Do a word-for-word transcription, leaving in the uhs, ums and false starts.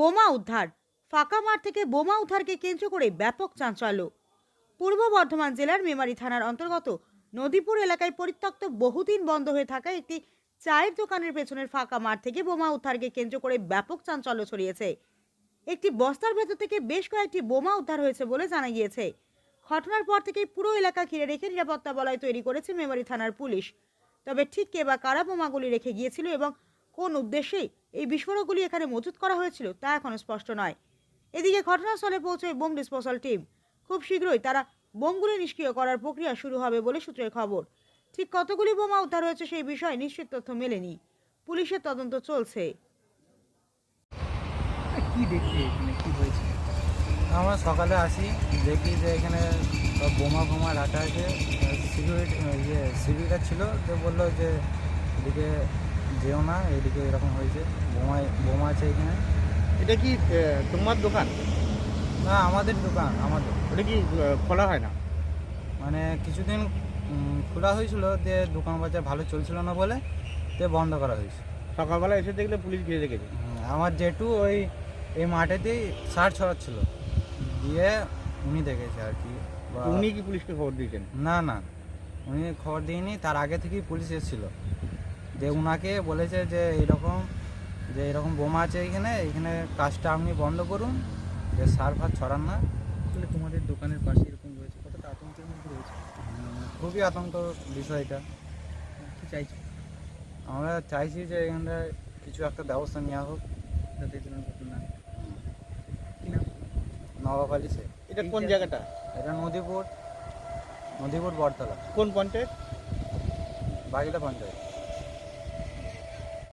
বোমা উদ্ধার। ফাঁকা মাঠ থেকে বোমা উদ্ধারকে কেন্দ্র করে ব্যাপক চাঞ্চল্য। পূর্ব বর্ধমান জেলার মেমারি থানার অন্তর্গত নদীপুর এলাকায় পরিত্যক্ত বহুদিন বন্ধ হয়ে থাকা একটি চায়ের দোকানের পেছনের ফাঁকা মাঠ থেকে বোমা উদ্ধারকে কেন্দ্র করে ব্যাপক চাঞ্চল্য ছড়িয়েছে। একটি বস্তার ভেতর থেকে বেশ কয়েকটি বোমা উদ্ধার হয়েছে বলে জানা গিয়েছে। ঘটনার পর থেকেই পুরো এলাকা ঘিরে রেখে নিরাপত্তা বলয় তৈরি করেছে মেমারি থানার পুলিশ। তবে ঠিক কে বা কারা বোমাগুলি রেখে গিয়েছিল এবং কোন উদ্দেশ্যে এই বিস্ফোরকগুলি এখানে মজুত করা হয়েছিল তা এখনো স্পষ্ট নয়। এদিকে ঘটনাস্থলে পৌঁছয় বোম ডিসপোজাল টিম। খুব শীঘ্রই তারা বোমগুলি নিষ্ক্রিয় করার প্রক্রিয়া শুরু হবে বলে সূত্রের খবর। ঠিক কতগুলি বোমা উদ্ধার হয়েছে সেই বিষয়ে নিশ্চিত তথ্য মেলেনি। পুলিশের তদন্ত চলছে। কি দেখছি এখানে কি হয়েছে? আমরা সকালে আসি, দেখি যে এখানে সব বোমা ফোমা রাখা আছে। সিকিউরিটি ইয়ে সিভিকরা ছিল, তো বললো যে এদিকে যেও না, এদিকে এরকম হয়েছে, বোমা বোমা আছে এখানে। এটা কি আহ, তোমার দোকান? না, আমাদের দোকান, আমাদের। ওটা কি আহ, খোলা হয় না? মানে কিছুদিন উম, খোলা হয়েছিল, যে দোকান বাজার ভালো চলছিল না বলে তে বন্ধ করা হয়েছে। সকালবেলা এসে দেখলে পুলিশ ঘিরে রেখেছে। হুম, আমার জেঠু ওই এই মাঠেতেই সার ছড়াচ্ছিল, দিয়ে উনি দেখেছে আর কি। বা- উনি কি পুলিশকে খবর দিয়েছেন? না না, উনি খবর দিইনি, তার আগে থেকেই পুলিশ এসেছিলো। যে উনাকে বলেছে যে এরকম যে এরকম বোমা আছে এখানে, এখানে কাজটা আপনি বন্ধ করুন, যে সার ফার ছড়ান না। আসলে তোমাদের দোকানের পাশে এরকম রয়েছে, কতটা আতঙ্কের মধ্যে রয়েছে? উম, খুবই আতঙ্ক বিষয়টা। কি চাইছো আমরা চাইছি যে এখানটা কিছু একটা ব্যবস্থা নেওয়া হোক, যাতে এই ধরনের ঘটনা না হয়? কি নাম? নবাব আলী শেখ। এটা কোন জায়গাটা? এটা নদীপুর, নদীপুর বটতলা, কোন পঞ্চায়েত? বাগিলা পঞ্চায়েত।